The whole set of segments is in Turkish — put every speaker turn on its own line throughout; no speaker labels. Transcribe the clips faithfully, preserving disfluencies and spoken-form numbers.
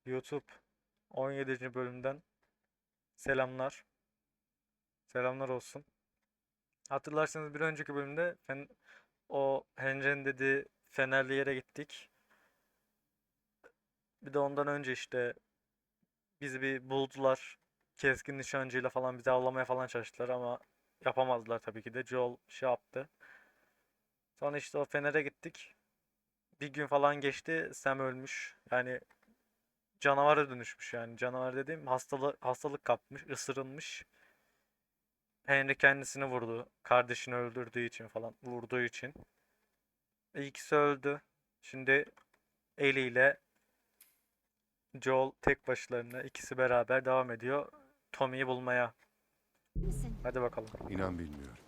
YouTube on yedinci bölümden selamlar. Selamlar olsun. Hatırlarsanız bir önceki bölümde fen o Henry'nin dediği Fenerli yere gittik. Bir de ondan önce işte bizi bir buldular. Keskin nişancıyla falan bizi avlamaya falan çalıştılar ama yapamazlar tabii ki de. Joel şey yaptı. Sonra işte o Fener'e gittik. Bir gün falan geçti. Sam ölmüş. Yani canavara dönüşmüş yani. Canavar dediğim hastalık hastalık kapmış, ısırılmış. Henry kendisini vurdu. Kardeşini öldürdüğü için falan. Vurduğu için. İkisi öldü. Şimdi Ellie ile Joel tek başlarına ikisi beraber devam ediyor. Tommy'yi bulmaya.
Misin?
Hadi bakalım.
İnan bilmiyorum.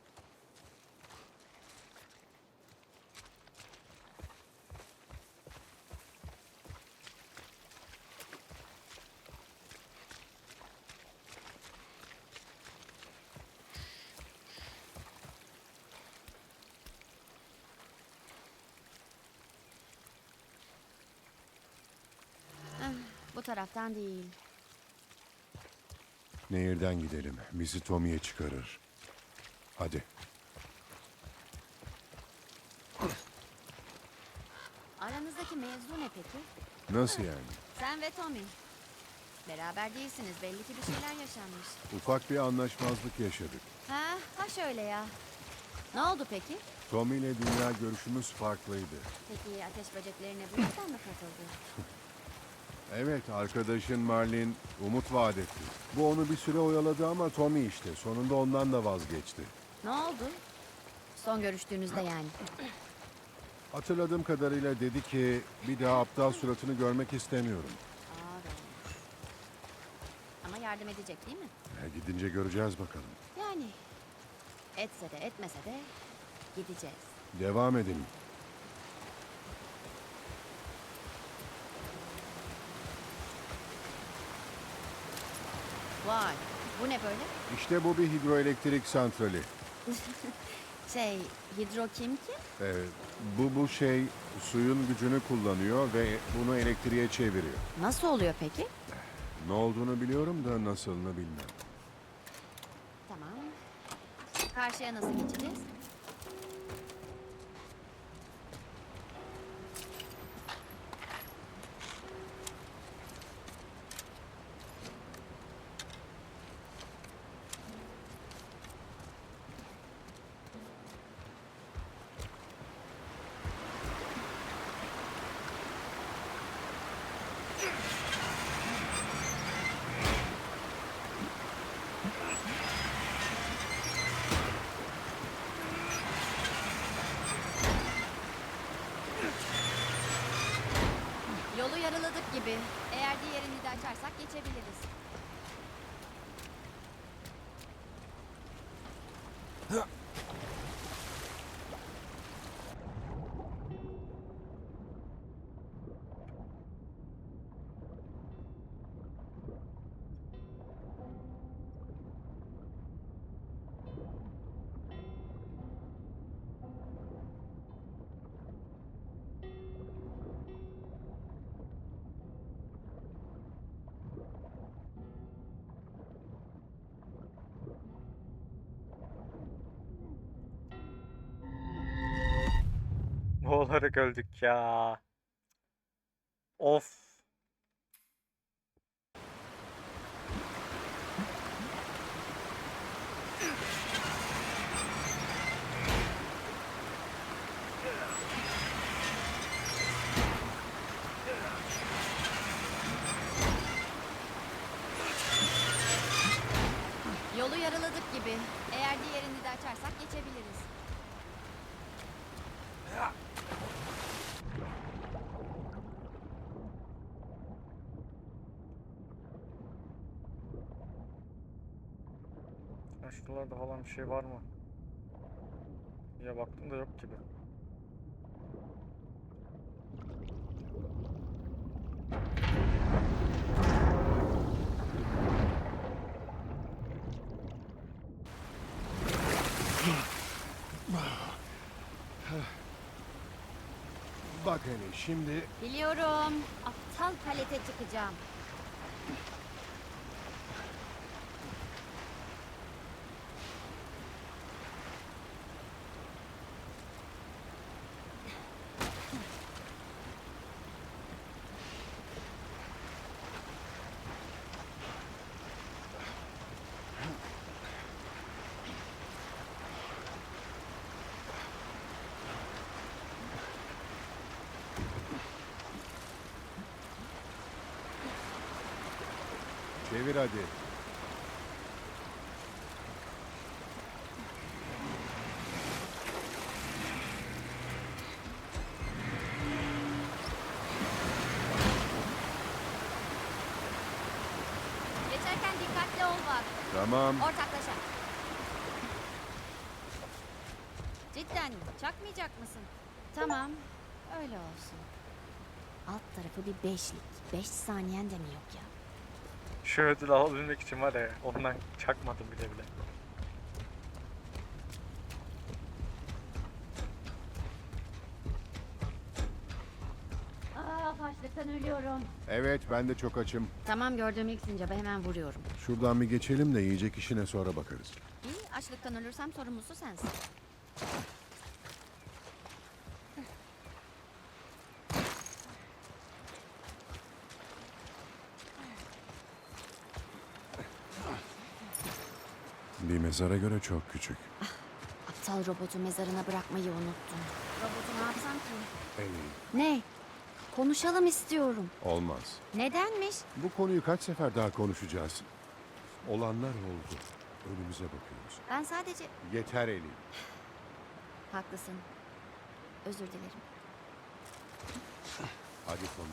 Ah, bu taraftan değil.
Nehirden gidelim. Bizi Tommy'ye çıkarır. Hadi.
Aranızdaki mevzu ne peki?
Nasıl yani?
Sen ve Tommy. Beraber değilsiniz. Belli ki bir şeyler yaşanmış.
Ufak bir anlaşmazlık yaşadık.
Ha, ha şöyle ya. Ne oldu peki?
Tommy ile dünya görüşümüz farklıydı.
Peki ateş böceklerine bu yüzden mi katıldı?
Evet, arkadaşın Marlin umut vaat etti. Bu onu bir süre oyaladı ama Tommy işte. Sonunda ondan da vazgeçti.
Ne oldu? Son görüştüğünüzde yani.
Hatırladığım kadarıyla dedi ki bir daha aptal suratını görmek istemiyorum.
Aa, doğru. Ama yardım edecek değil mi?
E, gidince göreceğiz bakalım.
Yani etse de etmese de gideceğiz.
Devam edelim.
Vay, bu ne böyle?
İşte bu bir hidroelektrik santrali.
Şey, hidro kim ki?
Ee, bu bu şey suyun gücünü kullanıyor ve bunu elektriğe çeviriyor.
Nasıl oluyor peki?
Ne olduğunu biliyorum da nasılını bilmem.
Tamam. Karşıya nasıl geçeceğiz? Yolu yarıladık gibi. Eğer diğerini de açarsak geçebiliriz.
Boğularak öldük ya. Of.
Yolu yarıladık gibi. Eğer diğerini de açarsak geçebiliriz.
Ya şuralarda falan bir şey var mı? Ya baktım da yok gibi.
Bak hele şimdi
Biliyorum. Aptal. Aptal palete çıkacağım.
Çevir hadi.
Geçerken dikkatli ol bak.
Tamam.
Ortaklaşa. Cidden çakmayacak mısın? Tamam, öyle olsun. Alt tarafı bir beşlik. Beş saniyen de mi yok ya?
Şu ödülü alabilmek için var ya, ondan çakmadım bile bile.
Aa, açlıktan ölüyorum.
Evet, ben de çok açım.
Tamam, gördüğüm ilk sincaba hemen vuruyorum.
Şuradan bir geçelim de yiyecek işine sonra bakarız.
İyi, açlıktan ölürsem sorumlusu sensin.
Bir mezara göre çok küçük.
Aptal robotu mezarına bırakmayı unuttum. Robotu ne yapsam ki?
Ellie,
Ne? Konuşalım istiyorum.
olmaz.
Nedenmiş?
Bu konuyu kaç sefer daha konuşacağız? Olanlar oldu. Önümüze bakıyoruz.
Ben sadece...
Yeter Ellie.
Haklısın. Özür dilerim.
Hadi Tommy.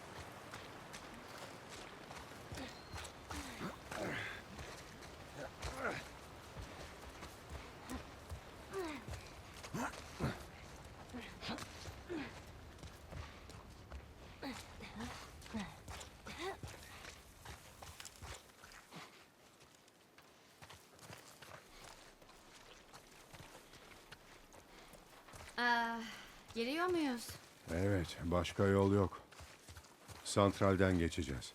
Aa, giriyor muyuz?
Evet, başka yol yok. Santralden geçeceğiz.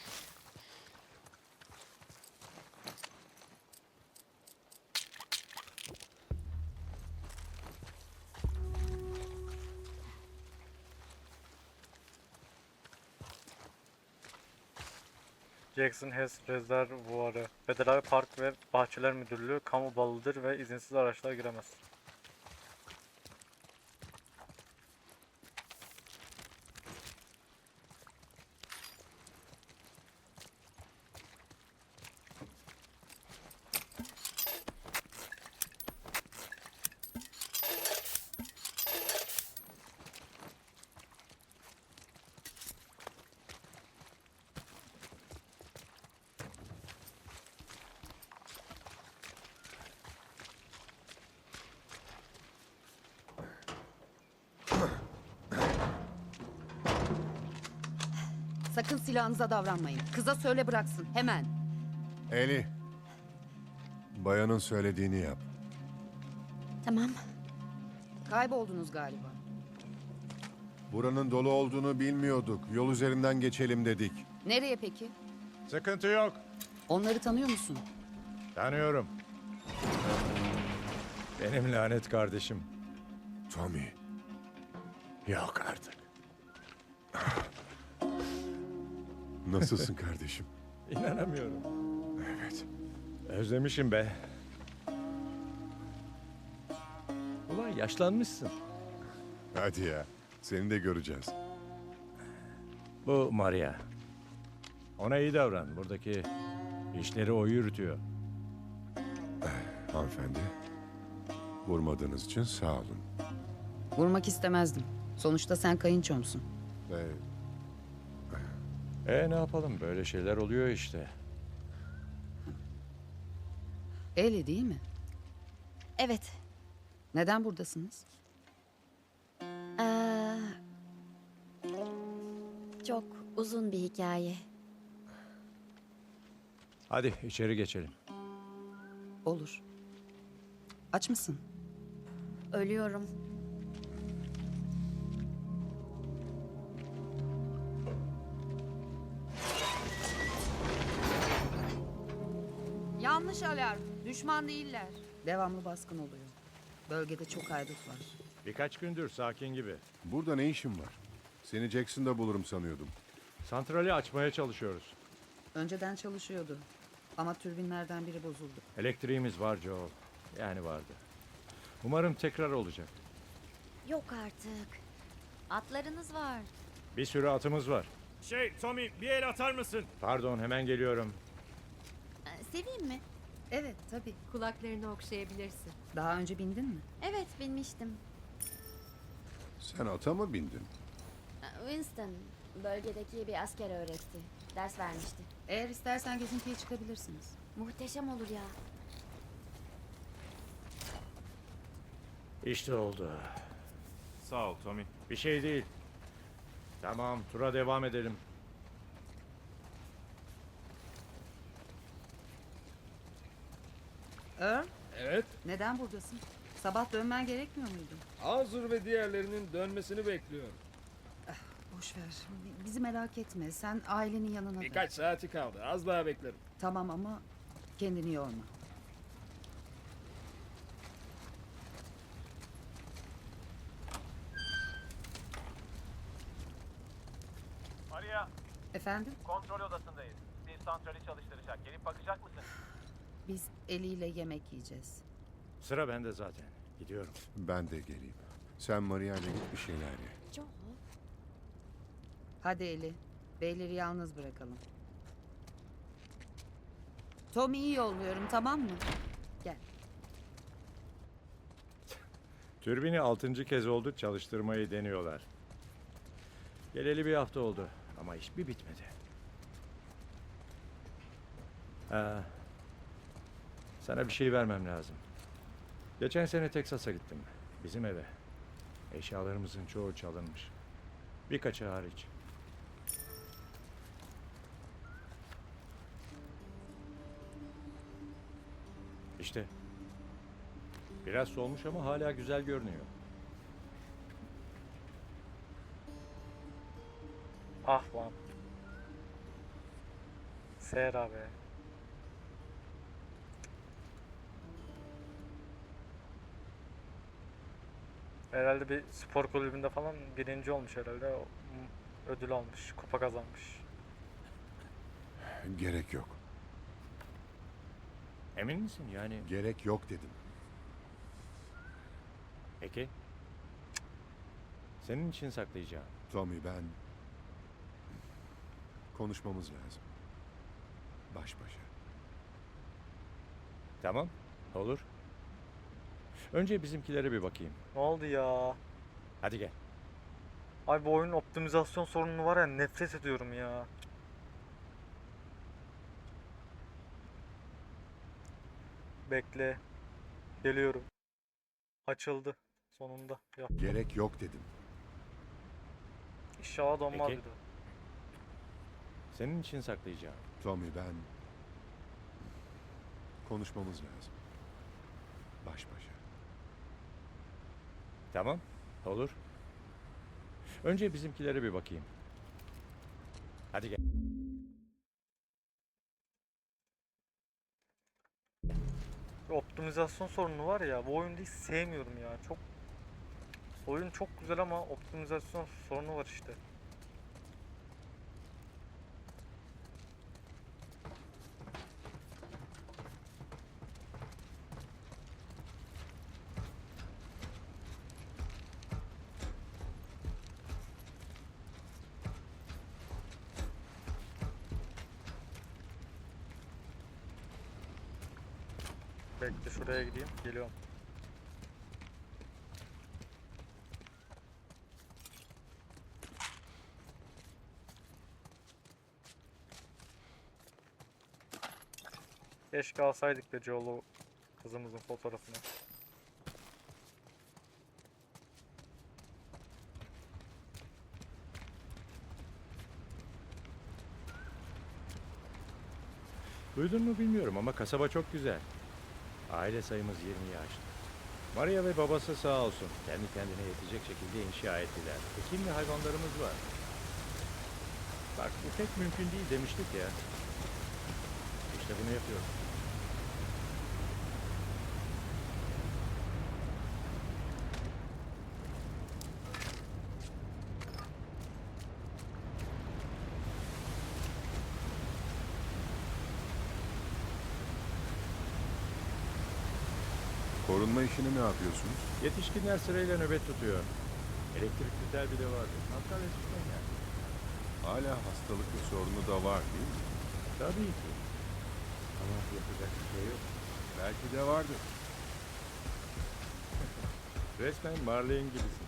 Jackson Hess Rezervuarı, Federal Park ve Bahçeler Müdürlüğü kamu balıdır ve izinsiz araçlar giremez.
Sakın silahınıza davranmayın. Kıza söyle bıraksın. Hemen.
Ellie, bayanın söylediğini yap.
Tamam.
Kayboldunuz galiba.
Buranın dolu olduğunu bilmiyorduk. Yol üzerinden geçelim dedik.
Nereye peki?
Sıkıntı yok.
Onları tanıyor musun?
Tanıyorum. Benim lanet kardeşim.
Tommy.
Yok artık.
Nasılsın kardeşim?
İnanamıyorum.
Evet.
Özlemişim be. Ulan yaşlanmışsın.
Hadi ya. Seni de göreceğiz.
Bu Maria. Ona iyi davran. Buradaki işleri o yürütüyor.
Hanımefendi. Vurmadığınız için sağ olun.
Vurmak istemezdim. Sonuçta sen kayınçomsun.
Ee,
E ne yapalım? Böyle şeyler oluyor işte.
Eli değil mi?
Evet.
Neden buradasınız?
Aa, çok uzun bir hikaye.
Hadi içeri geçelim.
Olur. Aç mısın?
Ölüyorum.
Yanlış alarm. Düşman değiller. Devamlı baskın oluyor. Bölgede çok haydut var.
Birkaç gündür sakin gibi.
Burada ne işin var? Seni Jackson'da bulurum sanıyordum.
Santrali açmaya çalışıyoruz.
Önceden çalışıyordu. Ama türbinlerden biri bozuldu.
Elektriğimiz var Joel. Yani vardı. Umarım tekrar olacak.
Yok artık. Atlarınız var.
Bir sürü atımız var.
Şey Tommy bir el atar mısın?
Pardon, hemen geliyorum.
Ee, seveyim mi?
Evet tabii.
Kulaklarını okşayabilirsin.
Daha önce bindin mi?
Evet, binmiştim.
Sen ata mı bindin?
Ee, Winston, bölgedeki bir asker öğretti. Ders vermişti.
Eğer istersen gezintiye çıkabilirsiniz.
Muhteşem olur ya.
İşte oldu.
Sağ ol Tommy.
Bir şey değil. Tamam, tura devam edelim.
Earl,
Evet,
neden buradasın? Sabah dönmen gerekmiyor muydu?
Azur ve diğerlerinin dönmesini bekliyorum.
Boş ver. Bi- Bizi merak etme. Sen ailenin yanına dön.
Birkaç saati kaldı, az daha beklerim.
Tamam ama kendini yorma.
Maria,
Efendim?
kontrol odasındayız. Bir santrali çalıştıracak. Gelip bakacak mısın?
Biz eliyle yemek yiyeceğiz.
Sıra bende zaten. Gidiyorum.
Ben de geleyim. Sen Maria ile git bir şeyler ye.
Joel.
Hadi Eli. Beyleri yalnız bırakalım. Tommy'yi yolluyorum, tamam mı? Gel.
Türbini altıncı kez oldu çalıştırmayı deniyorlar. Geleli bir hafta oldu ama iş bir bitmedi. Ha, sana bir şey vermem lazım. Geçen sene Teksas'a gittim. Bizim eve. Eşyalarımızın çoğu çalınmış. Birkaçı hariç. İşte. Biraz solmuş ama hala güzel görünüyor.
Ah lan. Sera be. Herhalde bir spor kulübünde falan birinci olmuş herhalde. O, m- ödül almış, kupa kazanmış.
Gerek yok.
Emin misin yani?
Gerek yok dedim.
Peki. Senin için saklayacağım.
Tommy, ben... Konuşmamız lazım. Baş başa.
Tamam. Olur. Önce bizimkilere bir bakayım.
Ne oldu ya?
Hadi gel.
Ay bu oyunun optimizasyon sorunu var ya, nefret ediyorum ya. Bekle. Geliyorum. Açıldı. Sonunda. Yap.
Gerek yok dedim.
İnşallah donmaz
Peki.
bir de.
Senin için saklayacağım.
Tommy, ben... Konuşmamız lazım. Baş başa.
Tamam. Olur. Önce bizimkilere bir bakayım. Hadi gel.
Bir optimizasyon sorunu var ya, bu oyunu hiç sevmiyorum ya. Çok oyun çok güzel ama optimizasyon sorunu var işte. Bekle, şuraya gideyim. Geliyorum. Keşke alsaydık be Joel'u, kızımızın fotoğrafını.
Duydun mu bilmiyorum ama kasaba çok güzel. Aile sayımız yirmiyi aştı. Maria ve babası sağ olsun kendi kendine yetecek şekilde inşa ettiler. Ekin ve hayvanlarımız var. Bak bu pek mümkün değil demiştik ya. İşte bunu yapıyoruz.
Korunma işini ne yapıyorsunuz?
Yetişkinler sırayla nöbet tutuyor. Elektrikli tel bile vardı. Antalya tutmayın yani.
Hala hastalık ve sorunu da var değil mi?
Tabii ki. Ama yapacak bir şey yok.
Belki de vardır.
Resmen Marlene gibisin.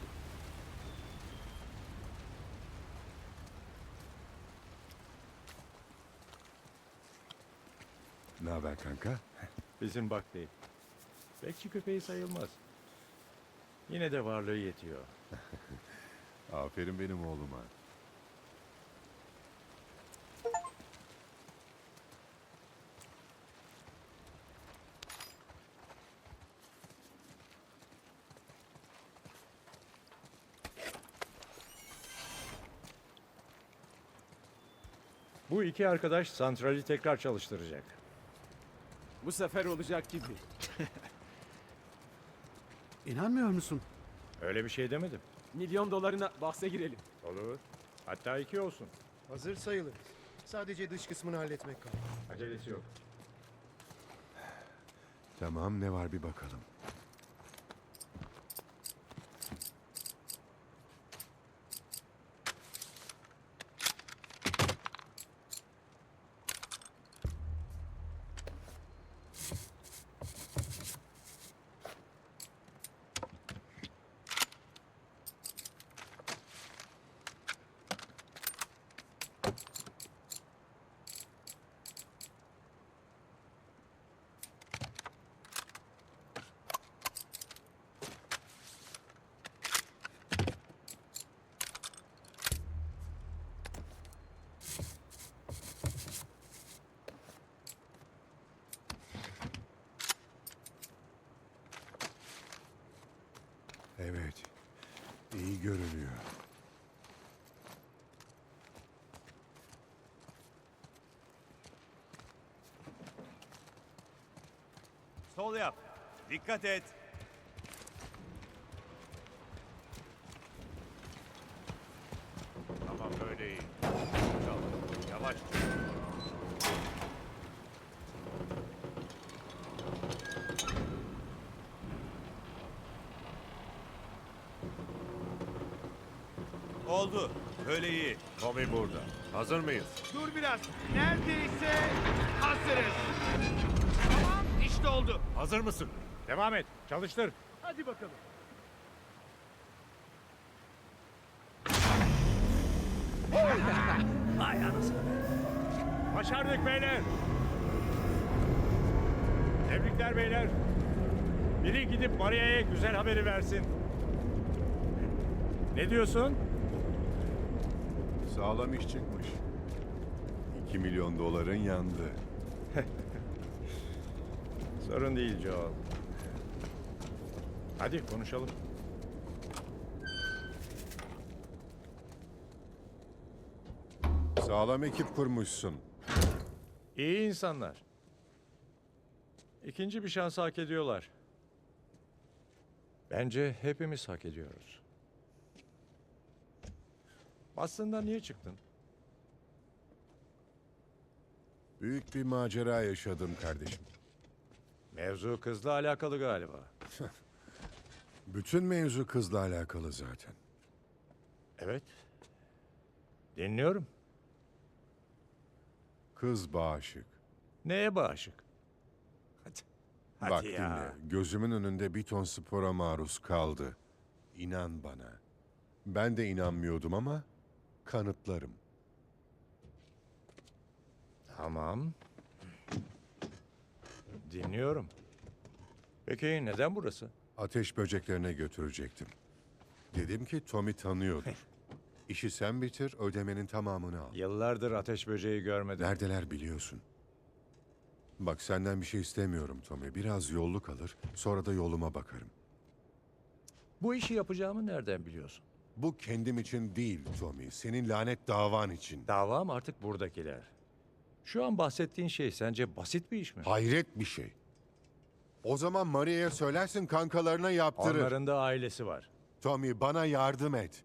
Ne haber kanka?
Bizim bak değil. Bekçi köpeği sayılmaz. Yine de varlığı yetiyor.
Aferin benim oğluma.
Bu iki arkadaş santrali tekrar çalıştıracak.
Bu sefer olacak gibi.
İnanmıyor musun?
Öyle bir şey demedim.
Milyon dolarına bahse girelim.
Olur. Hatta iki olsun.
Hazır sayılır. Sadece dış kısmını halletmek kaldı.
Acelesi yok.
Tamam, ne var bir bakalım. Evet, iyi görünüyor.
Sol yap. Dikkat et. Tamam böyle iyi. Çal. Yavaş. Oldu. Böyle iyi.
Tommy burada.
Hazır mıyız?
Dur biraz. Neredeyse hazırız. Tamam işte oldu.
Hazır mısın?
Devam et. Çalıştır.
Hadi bakalım.
Başardık beyler. Tebrikler beyler. Biri gidip Maria'ya güzel haberi versin. Ne diyorsun?
Sağlam iş çıkmış. İki milyon doların yandı.
Sorun değil Joel. Hadi konuşalım.
Sağlam ekip kurmuşsun.
İyi insanlar. İkinci bir şans hak ediyorlar. Bence hepimiz hak ediyoruz. Aslında niye çıktın?
Büyük bir macera yaşadım kardeşim.
Mevzu kızla alakalı galiba.
Bütün mevzu kızla alakalı zaten.
Evet. Dinliyorum.
Kız bağışık.
Neye bağışık? Hadi. Hadi
Bak
ya.
dinle, gözümün önünde bir ton spora maruz kaldı. İnan bana. Ben de inanmıyordum ama kanıtlarım.
Tamam. Dinliyorum. Peki neden burası?
Ateş böceklerine götürecektim. Dedim ki Tommy tanıyordur. İşi sen bitir, ödemenin tamamını al.
Yıllardır ateş böceği görmedim.
Neredeler biliyorsun. Bak senden bir şey istemiyorum Tommy. Biraz yolluk alır, sonra da yoluma bakarım.
Bu işi yapacağımı nereden biliyorsun?
Bu kendim için değil Tommy. Senin lanet davan için.
Davam artık buradakiler. Şu an bahsettiğin şey sence basit bir iş mi?
Hayret bir şey. O zaman Maria'ya söylersin kankalarına yaptırır.
Onların da ailesi var.
Tommy bana yardım et.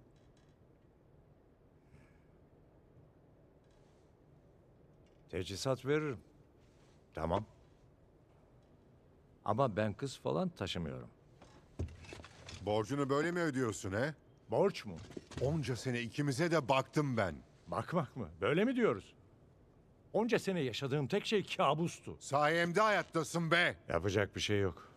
Teçhizat veririm. Tamam. Ama ben kız falan taşımıyorum.
Borcunu böyle mi ödüyorsun he?
Borç mu?
Onca sene ikimize de baktım ben.
Bakmak mı? Böyle mi diyoruz? Onca sene yaşadığım tek şey kabustu.
Sayemde hayattasın be.
Yapacak bir şey yok.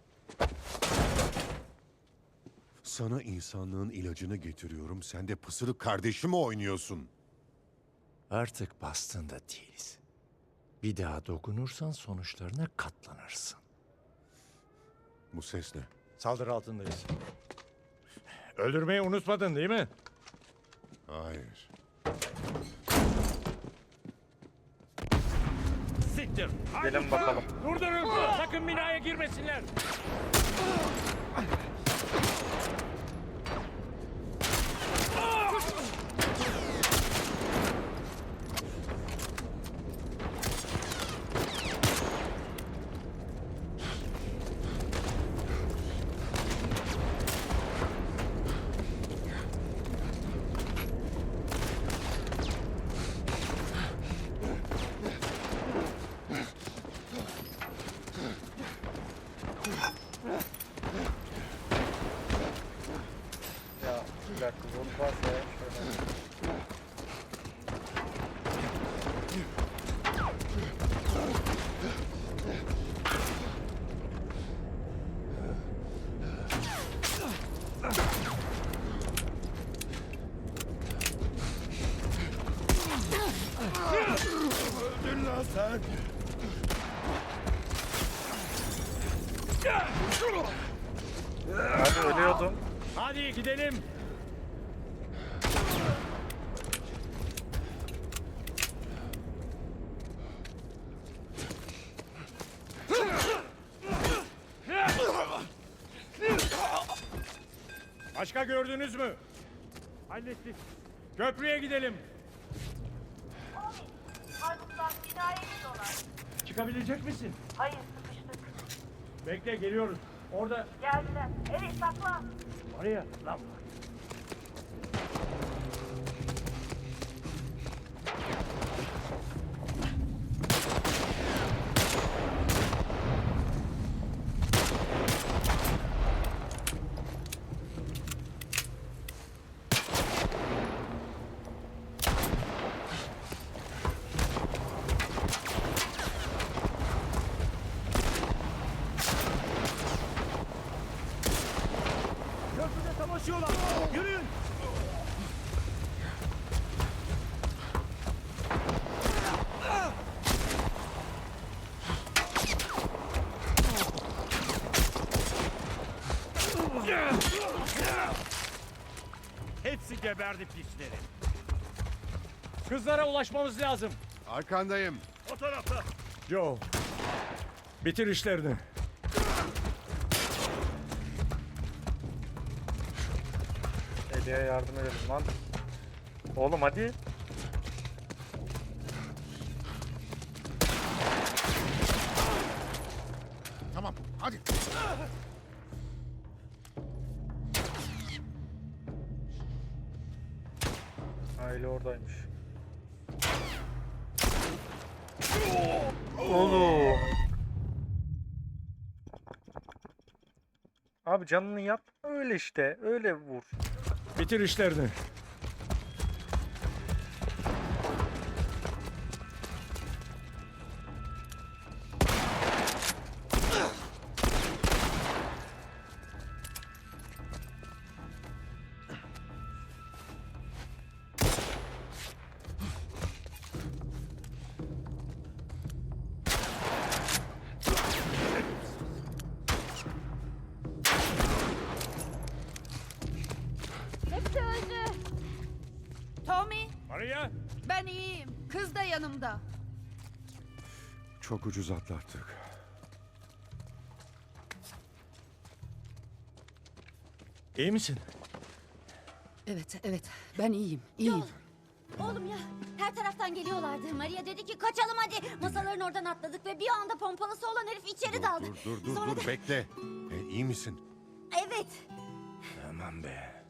Sana insanlığın ilacını getiriyorum. Sen de pısırık kardeşimi oynuyorsun.
Artık bastığında değiliz. Bir daha dokunursan sonuçlarına katlanırsın.
Bu ses ne?
Saldırı altındayız. Öldürmeyi unutmadın değil mi?
Hayır.
Siktir.
Gelin bakalım.
Durdurun. Sakın binaya girmesinler.
Ya bir dakika zor varsa ya şöyle.
Öldün lan sen.
Abi ölüyordum.
Hadi gidelim. Başka gördünüz mü? Hallettik. Köprüye gidelim.
Haydutlar binaya gidiyorlar.
Çıkabilecek misin?
Hayır, sıkıştık.
Bekle geliyoruz. Orada
Geldiler. Evet, saklan.
Maria lan var. Köprüde savaşıyorlar. Yürüyün. Hepsi geberdi pisleri. Kızlara ulaşmamız lazım.
Arkandayım.
O tarafta.
Joe, bitir işlerini.
Eli'ye yardım edelim lan. Oğlum hadi.
Tamam hadi.
Aile oradaymış. Oğlum. Abi canını yap. Öyle işte. Öyle vur.
Bitir işlerini.
Hepsi öldü.
Tommy,
Maria.
ben iyiyim. Kız da yanımda.
Çok ucuz atlattık.
İyi misin?
Evet, evet. Ben iyiyim, iyiyim.
Oğlum ya her taraftan geliyorlardı. Maria dedi ki kaçalım hadi. Masaların oradan atladık ve bir anda pompalısı olan herif içeri daldı.
Dur dur dur
Sonra
dur
da-
bekle. E, iyi misin?
Evet.
Aman be.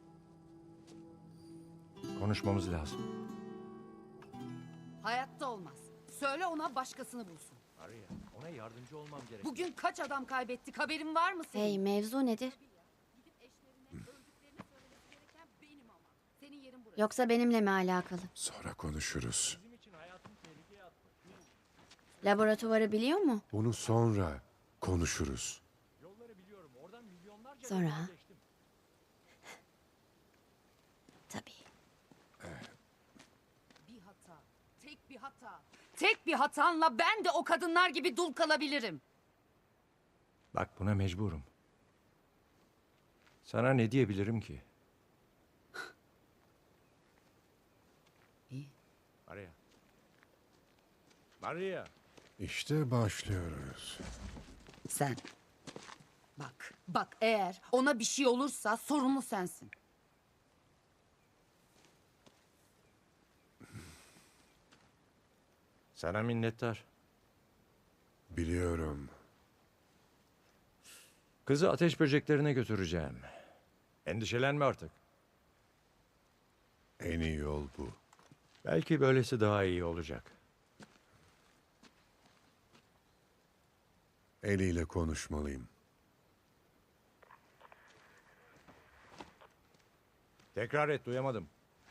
Konuşmamız lazım.
Hayatta olmaz. Söyle ona başkasını bulsun.
Maria, Ona yardımcı olmam gerek.
Bugün kaç adam kaybettik haberin var mı senin?
Hey, mevzu nedir?
Gidip eşlerine öldüklerini söylemesi gereken benim ama. Senin yerin burası.
Yoksa benimle mi alakalı?
Sonra konuşuruz.
Bizim için hayatını tehlikeye attı.
Laboratuvarı biliyor mu?
Bunu sonra konuşuruz.
Yolları biliyorum. Oradan milyonlarca
Sonra
yol
ha?
geçtim.
Tabii.
Bir hata. Tek bir hata. Tek bir hatanla ben de o kadınlar gibi dul kalabilirim.
Bak buna mecburum. Sana ne diyebilirim ki?
İyi.
Maria. Maria.
İşte başlıyoruz.
Sen. Bak, bak eğer ona bir şey olursa sorumlu sensin.
Sana minnettar.
Biliyorum.
Kızı ateş böceklerine götüreceğim. Endişelenme artık.
En iyi yol bu.
Belki böylesi daha iyi olacak.
Ellie ile konuşmalıyım.
Tekrar et, duyamadım.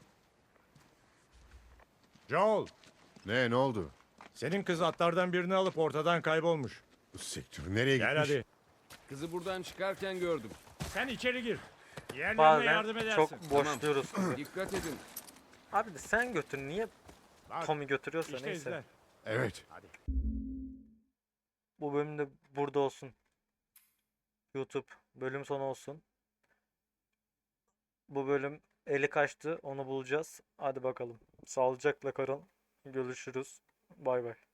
Joel,
Ne, ne oldu?
senin kız atlardan birini alıp ortadan kaybolmuş.
Siktir, nereye
Gel
gitmiş?
hadi.
Kızı buradan çıkarken gördüm.
Sen içeri gir. Diğerlerine
Bazen
yardım edersin.
çok boşluyoruz.
Dikkat edin.
Abi de sen götür. Niye
Bak,
Tommy götürüyorsa
işte
neyse.
izle.
Evet.
Hadi.
Bu bölüm de burada olsun. YouTube bölüm sonu olsun. Bu bölüm eli kaçtı. Onu bulacağız. Hadi bakalım. Sağlıcakla kalın. Görüşürüz. Bay bay.